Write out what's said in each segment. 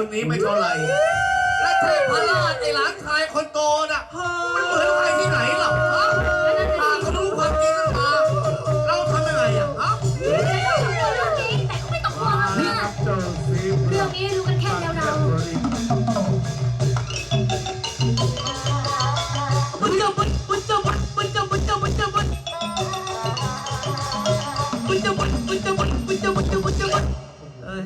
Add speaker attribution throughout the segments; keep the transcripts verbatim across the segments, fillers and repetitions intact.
Speaker 1: คนนี้ไม่เท่าไหร่และเทพราชไอ้หลานชายคนโตน่ะมันเหมือนใครที่ไหนหรอฮะหากเขารู้ความจริงขึ้นมาเราทำยังไงอ่ะฮะ
Speaker 2: เรื่องนี้แต่ก็ไม่ต้องห่วงนะเรื่องนี้รู้กันแค่เราเรา
Speaker 3: มันจะมันมันจะมันมันจะมันจะมันจะมันมันจะมันมันจะมันมันจะมันจะมันจะมันเอ้ย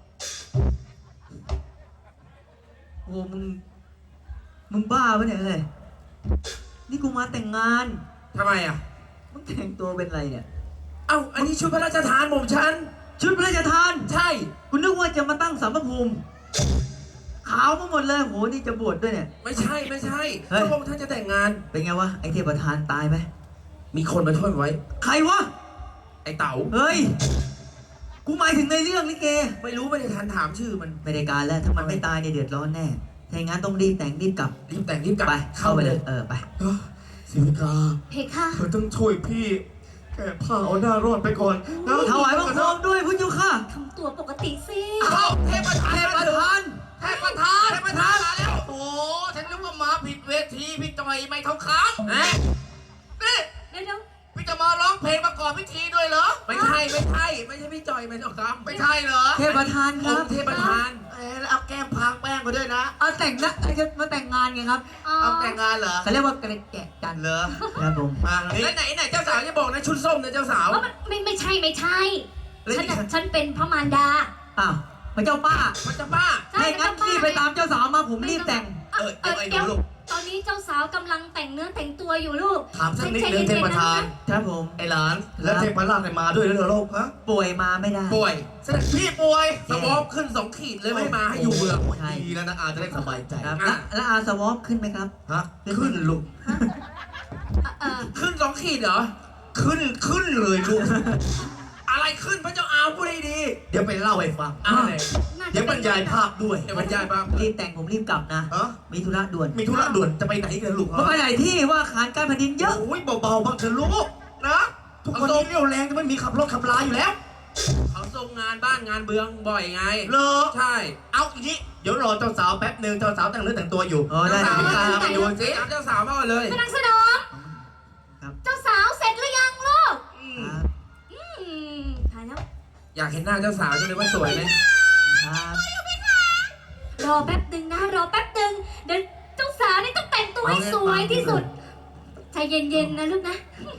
Speaker 3: โอ้มึงมึงบ้าปะเนี่ยเฮ้ยนี่กูมาแต่งงาน
Speaker 1: ทำไมอ่ะ
Speaker 3: มึงแต่งตัวเป็นอะไรเนี่ย
Speaker 1: เอ้าอันนี้ชุดพระราชทานผมฉัน
Speaker 3: ชุดพระราชทาน
Speaker 1: ใช่
Speaker 3: กูนึกว่าจะมาตั้งสารพระภูมิขาวมาหมดเลยโหนี่จะบวชด้วยเนี่ย
Speaker 1: ไม่ใช่ไม่ใช่พระองค์ท่านจะแต่งงาน
Speaker 3: เป็นไงวะไอเทพประธานตายไหม
Speaker 1: มีคนมาช่วยไว้
Speaker 3: ใครวะ
Speaker 1: ไอเต๋า
Speaker 3: เฮ้ยกูหมายถึงในเรื่องลิเก
Speaker 1: ไม่รู้ไม่ได้ทันถามชื่อมัน
Speaker 3: ไม่ได้การแล้วถ้ามันไม่ตายเนี่ยเดือดร้อนแน่ถ้าอย่างนั้นต้องรีบแต่งรีบกลับ
Speaker 1: รีบแต่งรีบกลับ
Speaker 3: ไปเข้าไปเลยเออไป
Speaker 1: สิวิกา
Speaker 2: เพคะ
Speaker 1: เธอต้องช่วยพี่แก่ผ้าเอาหน้ารอดไปก่อน
Speaker 3: ถวายบังคมด้วยพุทธเจ้าค่ะ
Speaker 2: ทำตัวปกติสิ
Speaker 1: อ้าวเทพประธาน
Speaker 3: เทพประธาน
Speaker 1: เทพประธานเทพประธานมาแล้วโอ้ฉันนึกว่ามาผิดเวทีพี่จอยไม่ทองคำนะนี่
Speaker 2: เดี๋ยว
Speaker 1: พี่จะมาร้องเพลงประกอบพิธีด้วยเหรอไม่ใช่ไม่ใช่ไม่ใช่พี่จอยไม่ทองคำไม่ใช่เหรอ
Speaker 3: เทพประธานครับ
Speaker 1: เทพประธานเออแล้วเอาแก้มพางแป้งมาด้วยนะ
Speaker 3: เอาแต่งนะจะมาแต่งงานไงครับ
Speaker 1: เอาแต่งงานเหรอ
Speaker 3: เขาเรียกว่ากระแกะกัน
Speaker 1: เหรอ
Speaker 3: ครับผม
Speaker 1: มาแล้วไหนไหนเจ้าสาวจะบอกนะชุดส้มนะเจ้าสาว
Speaker 2: ไม่ไม่ใช่ไม่ใช่ฉันฉันเป็นพระมารดา
Speaker 3: อ้าวพระเจ้าป้า
Speaker 1: พระเจ้าป้า
Speaker 3: ให้งั้นรีบไปตามเจ้าสาวมาผมรีบแต่ง
Speaker 1: เออเดี๋ยวไอ้หนูลูก
Speaker 2: ตอนนี้เจ้าสาวกำลังแต่งเนื้อแต่งตัวอยู่ลูก
Speaker 1: ถามสักนิดนึงเทพประธาน
Speaker 3: ครับผม
Speaker 1: ไอ้หลานแล้วเทพราชเนี่ยมาด้วยหรือเปล่าลูกฮะ
Speaker 3: ป่วยมาไม่ได้
Speaker 1: ป่วยเสด็จพี่ป่วยสวอปขึ้นสองขีดเลยไม่มาให้อยู่เมืองดีแล้วนะอาจะได้สบายใจ
Speaker 3: ครับแล้วอาสวอปขึ้นไหมครับ
Speaker 1: ฮะขึ้นลูกขึ้นสองขีดเหรอขึ้นขึ้นเลยลูกอะไรขึ้นพระเจ้าอาวพูดให้ดีเดี๋ยวไปเล่าให้ฟังอะไรเดี๋ยวบรรยายภาพด้วยเดี๋ยวบรรยายภาพ
Speaker 3: รีบแต่งผมรีบกลับนะมีธุระด่วน
Speaker 1: มีธุระด่วนจะไปไหนกันลูก
Speaker 3: ไปไหนที่ว่าขานการแผ่นดินเยอะ
Speaker 1: โอ้ยเบาๆบ้างเถอะลูกนะทุกคนนี้เรี่ยวแรงจะไม่มีขับรถขับลาอยู่แล้วเขาส่งงานบ้านงานเบืองบ่อยไง
Speaker 3: เหรอ
Speaker 1: ใช่เอาอีกทีเดี๋ยวรอเจ้าสาวแป๊บนึงเจ้าสาวแต่งเนื้อแต่งตัวอยู่
Speaker 3: เจ้าสาว
Speaker 1: มาไปดูสิเจ้าสาวมาเลย
Speaker 2: กำลังสนองเจ้าสาวเสร็จหรือยังลูกถ่ายแล้ว
Speaker 1: อยากเห็นหน้าเจ้าสาวจะเลยว่าสวยไหม
Speaker 3: ครับ
Speaker 2: รอแป๊บนึงนะรอแป๊บนึงเดี๋ยวเจ้าสาวนี่ต้องแต่งตัวให้สวยที่สุดใจเย็นๆนะลูกนะ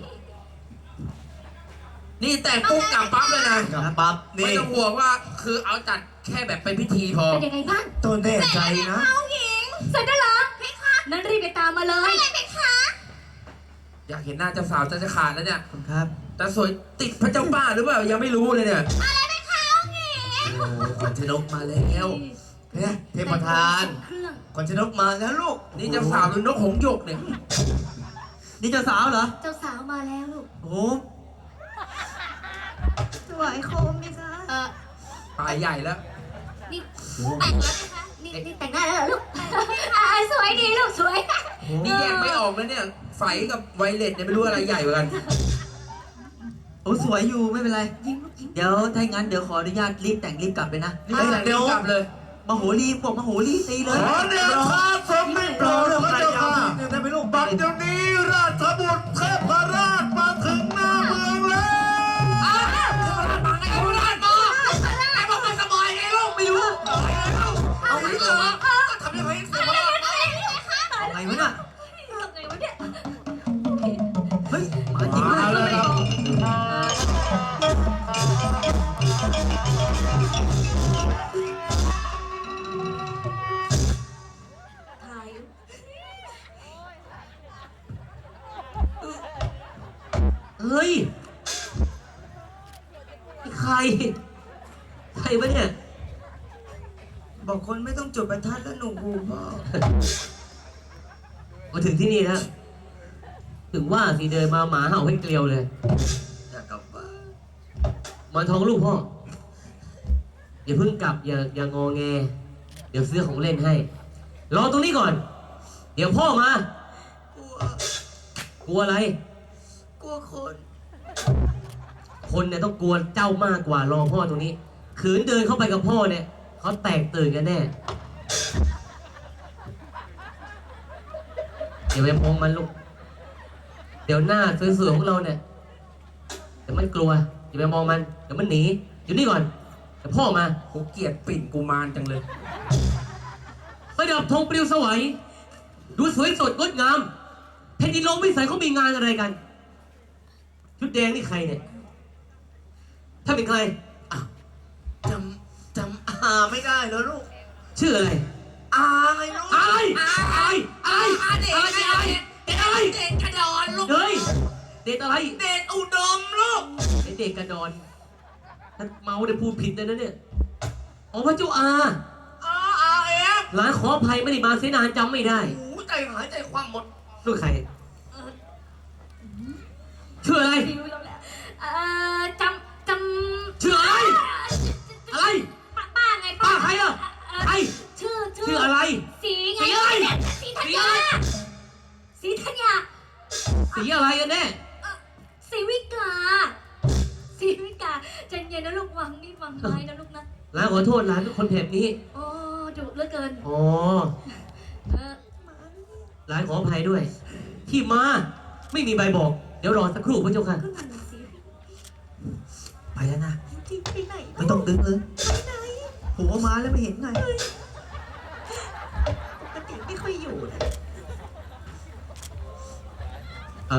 Speaker 1: นี่แต่งปุ๊บกลับปั๊บเลยนะ
Speaker 3: ปั๊บ
Speaker 1: ไม่ต้องห่วงว่าคือเอาจัดแค่แบบเป็นพิธีพอ
Speaker 2: เป็นยังไงบ้าง
Speaker 1: ตัวแน่ใจนะ
Speaker 2: เสร็จแล้วเหรอเพคะนั่นรีบไปตามมาเลยเพคะ
Speaker 1: อยากเห็นหน้าเจ้าสาวจะจะขาดแล้วเนี่ย
Speaker 3: ครับ
Speaker 1: แต่สวยติดพระเจ้าป้าหรือเปล่ายังไม่รู้เลยเนี่ย
Speaker 2: อะไรเพคะหญิง
Speaker 1: โอ้ขวัญชนกมาแล้วเนี่ยเทพประธานขวัญชนกมาแล้วลูกนี่เจ้าสาวหรือนกหงส์หยกเนี่ย
Speaker 3: นี่เจ้าสาวเหรอ
Speaker 2: เจ้าสาวมาแล้วลูก
Speaker 3: โอ้สวยโคมไหมคะ
Speaker 2: เออ
Speaker 1: ตายใหญ่แล้ว
Speaker 2: นี่แต่งแล้วนะคะนี่นี่แต่งหน้าแล้วเหรอลูกสวยดีลูกสวย
Speaker 1: นี่แยกไม่ออกแล้วเนี่ยไฟกับไวเลสเนี่ยไม่รู้อะไรใหญ่กว่ากัน
Speaker 3: โอ้สวยอยู่ไม่เป็นไรเดี๋ยวถ้างั้นเดี๋ยวขออนุญาตรีบแต่งรีบกลับไปนะ
Speaker 1: รีบแต่งรีบกลับเลย
Speaker 3: มโหรีพวกมโหรีตีเลย
Speaker 1: ขอเดชะสมไม่โปรดพระเจ้าค่ะได้ไหมลูกบัดเดี๋ยวนี้ราชบุตรเทพราชมาถึงหน้าเมืองแล้วอ้าวเทพราชมาไงเทพราชมาไอ้พวกมันสบายไงลูกไม่รู้เอาไม่รู้ทำยังไงเทพราช
Speaker 3: ไงวะน่ะ
Speaker 2: ไงวะเนี่ย
Speaker 3: เฮ้ยมาจริงเลยเฮ้ยใครใครวะเนี่ย
Speaker 1: บอกคนไม่ต้องจุดประทัดแล้วหนูกูพ่อ
Speaker 3: มาถึงที่นี่แล้วถึงว่าสิเดินมาหมาเห่าให้เกลียวเลย
Speaker 1: อยากกลับบ้าน
Speaker 3: มาท้องลูกพ่ออย่าเพิ่งกลับอย่าอย่างงอแงเดี๋ยวซื้อของเล่นให้รอตรงนี้ก่อนเดี๋ยวพ่อมากลัวกลัวอะไร
Speaker 1: กลัวคน
Speaker 3: คนเนี่ยต้องกลัวเจ้ามากกว่ารอพ่อตรงนี้ขืนเดินเข้าไปกับพ่อเนี่ยเขาแตกตื่นกันแน่อย่าไปมองมันลูกเดี๋ยวหน้าสวยๆของเราเนี่ยเดี๋ยวมันกลัวอย่าไปมองมันเดี๋ยวมันหนีอยู่นี่ก่อนเดี๋ยวพ่อมา
Speaker 1: กูเกลียดปิ่นกูมารจังเลย
Speaker 3: ประดับธงปลิวสวยดูสวยสดงดงามแผ่นดินโลกวิสัยเขามีงานอะไรกันชุดแดงนี่ใครเนี่ยถ้าเป็นใครอ่ะ
Speaker 1: จำจำอาไม่ได้แล้วลูก
Speaker 3: ชื่ออะไร
Speaker 1: อาไงลูก
Speaker 3: อะไร
Speaker 1: อา
Speaker 3: อะไรอะไร
Speaker 1: อาเด็ก
Speaker 3: อะไรอะไรเด็กอะไร
Speaker 1: เด็กกระดอนลูก
Speaker 3: เฮ้ยเด็กอะไร
Speaker 1: เด็กอุดมลูก
Speaker 3: ไอเด็กกระดอนถ้าเมาได้พูดผิดเลยนะเนี่ยอ๋อพระเจ้าอา
Speaker 1: อาอาเอฟ
Speaker 3: หลานขออภัยไม่ได้มาเสียนานจำไม่ได้
Speaker 1: โอ้ใจหายใจความหมด
Speaker 3: ลูกใครชื่ออะไร
Speaker 2: เอ่อจำจำ
Speaker 3: ชื่ออะไร อะไร
Speaker 2: ป้าป้าไง
Speaker 3: ป้าใครอ่ะใคร
Speaker 2: ชื่อ
Speaker 3: ชื่ออะไร
Speaker 2: สีไง
Speaker 3: สีอะไร
Speaker 2: สีธัญญาสีธัญญา
Speaker 3: สีอะไรกันแน่
Speaker 2: สีวิกาสีวิกาใจเย็นนะลูกวางนี่วางไว้นะลูกนะ
Speaker 3: หลานขอโทษหลานทุกคนแบบนี้
Speaker 2: โอ้ดุเหลือเกิน
Speaker 3: อ๋อ
Speaker 2: เออ
Speaker 3: หลานขออภัยด้วย ที่มาไม่มีใบบอก เดี๋ยวรอสักครู่พระเจ้าค่ะ
Speaker 2: ขึ้นมาหน่อยสิ
Speaker 1: ไปแล้วนะ
Speaker 2: จริงไปไหน
Speaker 1: ไม่ต้องดึงเลย
Speaker 2: ไปไหน
Speaker 1: หัวมาแล้วไม่เห็นไง
Speaker 2: ปกติไม่ค่อยอยู่นะ
Speaker 3: อ่ะ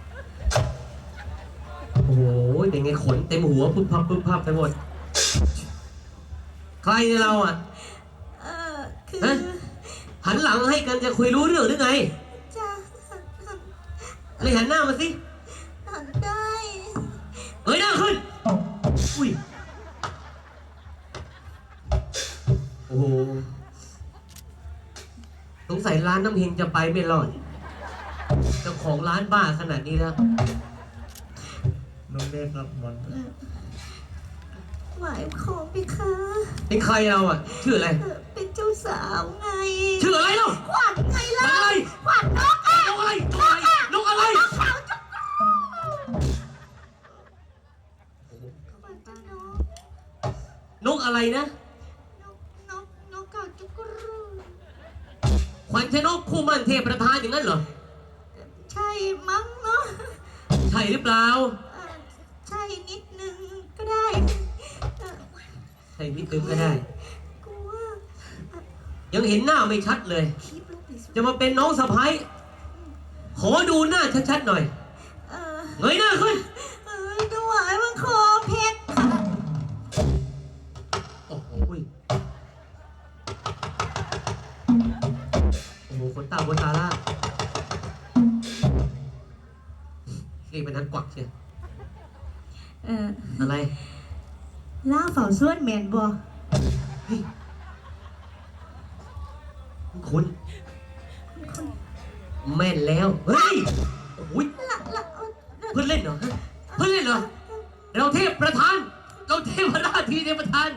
Speaker 3: โอ้โหเป็นไงขนเต็มหัวปุ๊บพับปุ๊บพับไปหมด ใครในเราอ่ะ
Speaker 2: เออคือ
Speaker 3: ฮะ หันหลังให้กันจะคุยรู้เรื่องหรือไง
Speaker 2: จะหันหัน
Speaker 3: เลยหันหน้ามาสิ
Speaker 2: หันได้
Speaker 3: เอ้ยหน้าขึ้น อุ้ย โอ้โห สงสัยร้านน้ำเฮงจะไปไม่รอด เจ้าของร้านบ้าขนาดนี้แล้ว
Speaker 1: น้องเด็กรับบอล
Speaker 2: หมายของพี่คะ
Speaker 3: เป็นใครเราอ่ะ ชื่ออะไร
Speaker 2: เออเป็นเจ้าสาวไง
Speaker 3: ชื่ออะไรเล่า
Speaker 2: ขวัญไงล่ะ
Speaker 3: อะไร
Speaker 2: ขวัญนกอ่ะ
Speaker 3: นกอะไรนกอะไรนกอะไร
Speaker 2: ขาวจุ๊กขวัญจ้านก
Speaker 3: นกอะไรนะ
Speaker 2: นกนกนกกาจุกรู
Speaker 3: ขวัญชนกคู่มั่นเทพประธานอย่างนั้นเหรอ
Speaker 2: ใช่มั้งเนาะ
Speaker 3: ใช่หรือเปล่า
Speaker 2: เออใช่นิดนึงก็ได้เออ
Speaker 3: ใช่นิดนึงก็ได้
Speaker 2: กูว่า
Speaker 3: ยังเห็นหน้าไม่ชัดเลย
Speaker 2: คลิปลูกดิส
Speaker 3: จะมาเป็นน้องสะพ้ายขอดูหน้าชัดๆหน่อย
Speaker 2: เออ
Speaker 3: เงยหน้าขึ้น
Speaker 2: เออถวายบังคอเพชรค่ะ
Speaker 3: โอ้โหยโอ้โหขนตาบนตาล่านี่เป็นนักกวักเชียว
Speaker 2: เออ
Speaker 3: อะไร
Speaker 2: ล่าเฝ้าส่วนแมนบ่
Speaker 3: เฮ้ยคุณแม่นแล้ว เฮ้ย โอ้ย
Speaker 2: ละละ
Speaker 3: เพื่อนเล่นเหรอฮะเพื่อนเล่นเหรอ เราเทพประธาน เราเทพราชทีเทพประธาน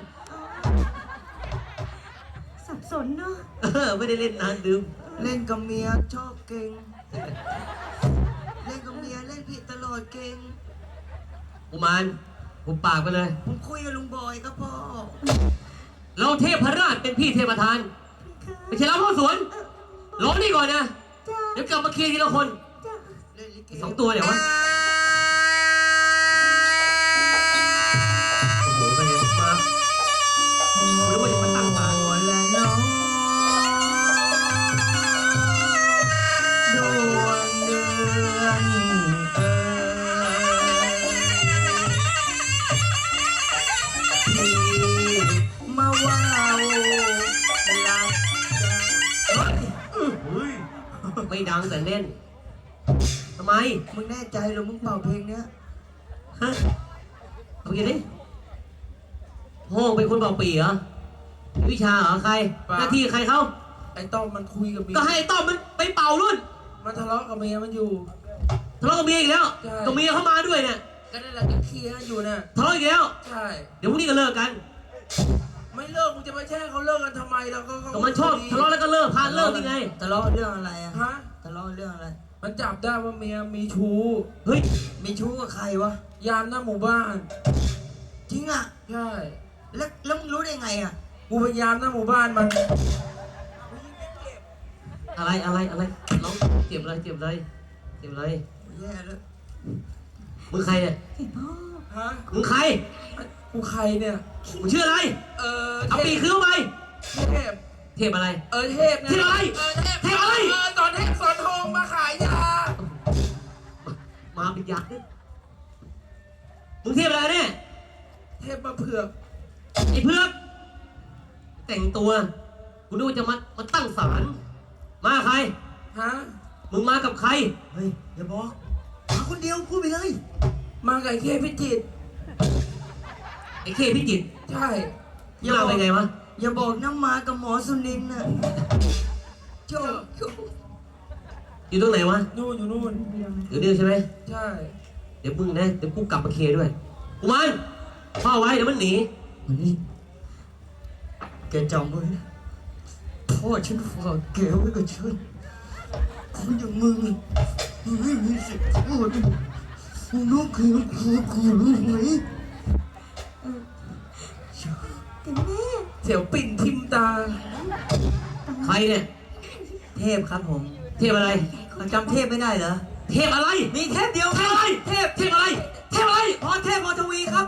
Speaker 2: สับสนเนาะ
Speaker 3: เออ ไม่ได้เล่นนานดื่ม
Speaker 1: เล่นกับเมียชอบเก่ง เล่นกับเมียเล่นผิดตลอดเก่ง
Speaker 3: อุมานหุบปากไปเลย
Speaker 1: ผมคุยกับลุงบอยครับพ่อ
Speaker 3: เราเทพราชเป็นพี่เทพประธาน ไม่ใช่เราพ่อสวนรอนี่ก่อนนะ
Speaker 2: จ้า
Speaker 3: เดี๋ยวกลับมาเคลียร์ทีละคน
Speaker 2: จ้า
Speaker 1: เล่นลิเก
Speaker 3: สองตัวเดี๋ยววะ โอ้โหไปเลยมาไม่รู้ว่าจะมาตั้งตา
Speaker 1: โอ้และน้องดวงเดือนเอ่ยพี่มาว่าวรักกันเฮ้ย
Speaker 3: ไม่ดังแต่เล่นทำไม
Speaker 1: มึงแน่ใจเหรอมึงเป่าเพลงเนี้ย
Speaker 3: ฮะเอาไปกินดิพ่อเป็นคนเป่าปีเหรอวิชาเหรอใคร หน้าที่ใครเขา
Speaker 1: ไอ้ต้อมมันคุยกับเมีย
Speaker 3: ก็ให้ไอ้ต้อมมันไปเป่ารุ่น
Speaker 1: มันทะเลาะกับเมียมันอยู่
Speaker 3: ทะเลาะกับเมียอีกแล้ว
Speaker 1: ใช่
Speaker 3: กับเมียเข้ามาด้วยเนี่ย
Speaker 1: ก็นั่นแหละก็เคลียร์กันอยู่น่ะ
Speaker 3: ทะเลาะอีกแล้ว
Speaker 1: ใช่
Speaker 3: เดี๋ยวพรุ่งนี้ก็เลิกกัน
Speaker 1: ไม่เลิกมึงจะมาแช่งเขาเลิกกันทำไมเราก็
Speaker 3: ก็มันชอบทะเลาะแล้วก็เลิกพานเลิกยังไง
Speaker 1: ทะเลาะเรื่องอะไรอะฮะทะเลาะเรื่องอะไร มันจับได้ว่าเมียมีชู้
Speaker 3: เฮ้ย
Speaker 1: มีชู้กับใครวะ ยามหน้าหมู่บ้าน จริงอ่ะ ใช่ แล้วแล้วมึงรู้ได้ไงอ่ะ
Speaker 3: ก
Speaker 4: กูพยายามนะหมู่บ้านมัน
Speaker 3: อะไรอะไรอะไรร้องเจ็บอะไรเจ็บอะไรเจ็บอะไร
Speaker 4: แย่แล้ว
Speaker 3: มึงใครเนี่ย
Speaker 4: ฮะ
Speaker 3: มึงใคร
Speaker 4: กูใครเนี่ย
Speaker 3: มึงชื่ออะไร
Speaker 4: เออ
Speaker 3: เอาปีกขึ้นไป
Speaker 4: เทพ
Speaker 3: เทพอะไร
Speaker 4: เออเทพไง
Speaker 3: เทพอะไร
Speaker 4: เออเทพ
Speaker 3: เทพอะไร
Speaker 4: เออตอนเทพสอนทองมาขายยา
Speaker 3: มาเป็นยักษ์ด้วยมึงเทพอะไรเนี่ย
Speaker 4: เทพมาเผือก
Speaker 3: ไอ้เพือกแต่งตัวกูนึกว่าจะมามาตั้งศาลมาใคร
Speaker 4: ฮะ
Speaker 3: มึงมากับใคร
Speaker 1: เฮ้ยอย่าบอกมาคนเดียวพูดไปเลย
Speaker 4: มากับไอ้เคพิจิตร
Speaker 3: ไอ้เคพิจิตร
Speaker 4: ใช่
Speaker 3: มึงมาเป็นไงวะ
Speaker 1: อย่าบอกน้ำมากับหมอสุนินทร์น่ะโจ้
Speaker 3: อยู่ตรงไหนวะ
Speaker 4: นู่นอยู่นู่น
Speaker 3: อยู่นี่ใช่ไหม
Speaker 4: ใช่
Speaker 3: เดี๋ยวมึงนะเดี๋ยวกูกลับมาเคด้วยกูมันพ่อไว้เดี๋ยวมันหนี
Speaker 1: วันนี้แกจำไว้นะพ่อฉันฝากแกไว้กับฉันคนอย่างมึงมึงไม่มีสิทธิ์พูดมึงต้องคืนกูกูรู้ไหม
Speaker 2: ถึงแม่
Speaker 4: เสียวปิ่นทิมตา
Speaker 3: ใครเนี่ย
Speaker 1: เทพครับผม
Speaker 3: เทพอะไร
Speaker 1: เขาจำเทพไม่ได้เหรอ
Speaker 3: เทพอะไร
Speaker 1: มีเทพเดียว
Speaker 3: เทพอะไร
Speaker 1: เทพ
Speaker 3: เทพอะไร เทพอะไร
Speaker 1: พรเทพพรทวีครับ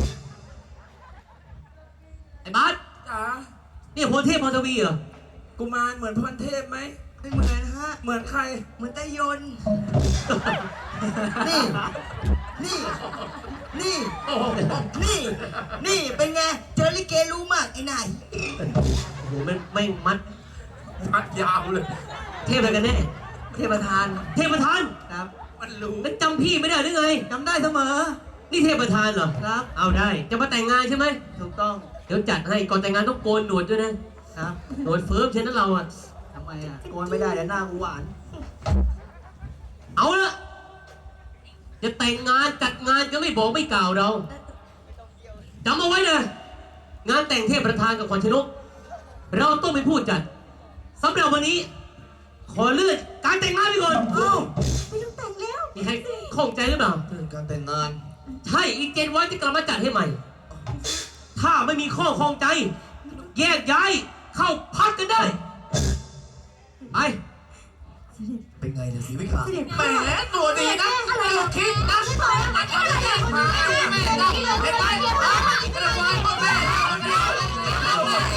Speaker 3: ไอ้บาส
Speaker 4: จ๋า
Speaker 3: นี่พลเทพพรทวีเหรอ
Speaker 4: กุมารเหมือนพรเทพไหม
Speaker 1: ไม่เหมือนฮะ
Speaker 4: เหมือนใคร
Speaker 1: เหมือนไตยนต์นี่ นี่ นี่ นี่ นี่ เป็นไง เจอลิเกรู้มากไอ้นาย
Speaker 3: โอ้โหไม่ไม่งมัด
Speaker 4: มัดยาวเลย
Speaker 3: เทพอะไรกันแน่
Speaker 1: เทพประธาน
Speaker 3: เทพประธาน
Speaker 1: ครับ
Speaker 4: มันรู้
Speaker 3: แล้วจำพี่ไม่ได้หรือไง
Speaker 1: จำได้เสมอ
Speaker 3: นี่เทพประธานเหรอ
Speaker 1: ครับ
Speaker 3: เอาได้ จะมาแต่งงานใช่ไหม
Speaker 1: ถูกต้อง
Speaker 3: เดี๋ยวจัดให้ ก่อนแต่งงานต้องโกนหนวดด้วยนะ
Speaker 1: ครับ
Speaker 3: หนวดเฟิร์มเช่นนั้นเราอะ
Speaker 1: ทำไมอ่ะโกนไม่ได้แล้วหน้ากูหวาน
Speaker 3: เอาละจะแต่งงานจัดงานก็ไม่บอกไม่กล่าวเราจำเอาไว้นะงานแต่งเทพประธานกับขวัญชนก เราต้องเป็นผู้จัดสำหรับวันนี้ ขอเลื่อนการแต่งงานไปก่อน
Speaker 1: เอ้า
Speaker 2: ไม่ต้องแต่งแล้ว
Speaker 3: มีใครข้องใจหรือเปล่า
Speaker 1: เรื่องการแต่งงาน
Speaker 3: ใช่อีกเจ็ดวันจะกลับมาจัดให้ใหม่ ถ้าไม่มีข้อข้องใจ แยกย้ายเข้าพักกันได้ ไป
Speaker 1: เป็นไงเนี่ยสีวิกา
Speaker 2: เสด็จ
Speaker 4: แหมตัวดีนะไม่ต้องคิดนะมันทำได้ยังไงไม่ได้ไม่ได้กระวานพ่อแม่เอาเดียวเอาเดียว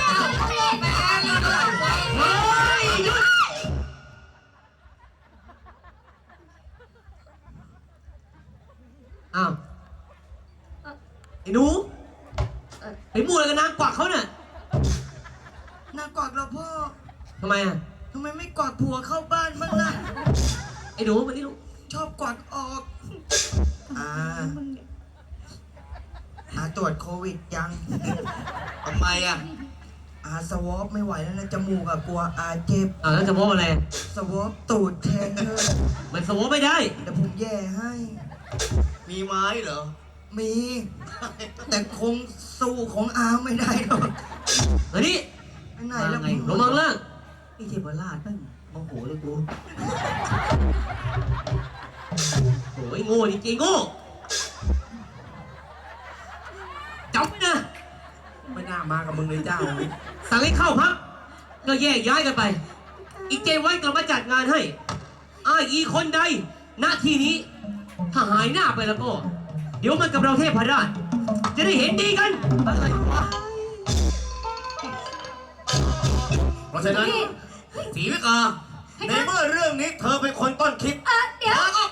Speaker 3: เฮ้ยหยุดอ้าวไอ้หนูไปมั่วอะไรกับนางกวักเขาเนี่ย
Speaker 1: นางกอดเราพ่อ
Speaker 3: ทำไมอ่ะ
Speaker 1: ทำไมไม่กอดผัวเข้าบ้านบ้างล่ะ
Speaker 3: ไอ้หนูมานี่ลูก
Speaker 1: ชอบกอดออก อ่า อาตรวจโควิดยัง
Speaker 3: ทำไมอ่ะ
Speaker 1: อาสวอปไม่ไหวแล้วนะจมูกอะกลัวอาเจ็บ
Speaker 3: อ่าแล้วจะมองอะไร
Speaker 1: สวอปตูดแทนเธอ
Speaker 3: มันสมองไม่ได้
Speaker 1: เดี๋ยวผมแย่ให้
Speaker 5: มีไม้เหรอ
Speaker 1: มี แต่คงสู้ของอาไม่ได้หรอก
Speaker 3: เฮ้ยนี่
Speaker 1: ไปไหนแล้ว
Speaker 3: ไงลงมังล่าง
Speaker 1: นี่เทพราชแม่งโมโหเลยกู
Speaker 3: โอ้ยโง่จริงๆโง่จับนะ
Speaker 4: ไม่น่ามากับมึงเลยเจ้า
Speaker 3: สั่งให้เข้าพักก็แยกย้ายกันไป อีกเจวันกลับมาจัดงานให้อ้ายอีคนใดณที่นี้ ถ้าหายหน้าไปแล้วก็ เดี๋ยวมันกับเราเทพราช จะได้เห็นดีกัน
Speaker 1: อะไรวะ
Speaker 5: เพราะฉะนั้นสีวิกา ในเมื่อเรื่องนี้เธอเป็นคนต้นคิด
Speaker 2: เออเดี๋ยว